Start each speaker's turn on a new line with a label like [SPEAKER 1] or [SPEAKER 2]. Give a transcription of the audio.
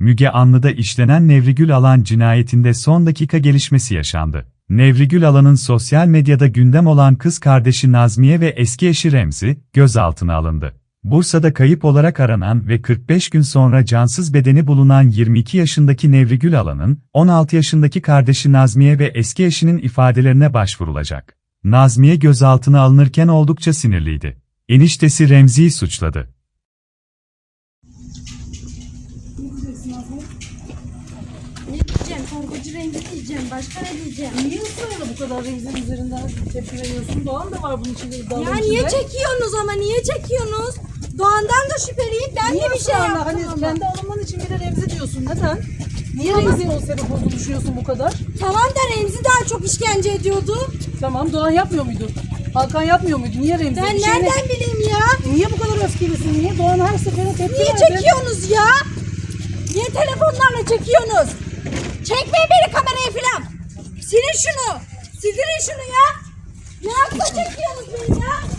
[SPEAKER 1] Müge Anlı'da işlenen Nevrigül Alan cinayetinde son dakika gelişmesi yaşandı. Nevrigül Alan'ın sosyal medyada gündem olan kız kardeşi Nazmiye ve eski eşi Remzi, gözaltına alındı. Bursa'da kayıp olarak aranan ve 45 gün sonra cansız bedeni bulunan 22 yaşındaki Nevrigül Alan'ın, 16 yaşındaki kardeşi Nazmiye ve eski eşinin ifadelerine başvurulacak. Nazmiye gözaltına alınırken oldukça sinirliydi. Eniştesi Remzi'yi suçladı.
[SPEAKER 2] Ne diyeceğim? Korkucu Remzi diyeceğim. Başka ne diyeceğim?
[SPEAKER 3] Niye ısrarla bu kadar Remzi'nin üzerinden tepki veriyorsun? Doğan da var bunun içinde.
[SPEAKER 2] Ya niye çekiyorsunuz ama? Niye çekiyorsunuz? Doğan'dan da şüpheliyim. Ben de bir şey yaptım
[SPEAKER 3] Hani
[SPEAKER 2] ama.
[SPEAKER 3] kendi alınman için bir de Remzi diyorsun. Neden? Niye Remzi'ye o sebep olduğunu düşünüyorsun bu kadar?
[SPEAKER 2] Tamam da Remzi daha çok işkence ediyordu.
[SPEAKER 3] Tamam, Doğan yapmıyor muydu? Hakan yapmıyor muydu? Niye Remzi?
[SPEAKER 2] Ben
[SPEAKER 3] Bir şeyine-
[SPEAKER 2] nereden bileyim ya?
[SPEAKER 3] Niye bu kadar öfkelisin? Niye Doğan her seferinde tepki
[SPEAKER 2] Niye
[SPEAKER 3] verdin?
[SPEAKER 2] çekiyorsunuz ya? Niye telefonlarla çekiyorsunuz? Çekmeyin beni kameraya filan. Silin şunu. Sildirin şunu ya. Ne yapsa çekiyorsunuz beni ya?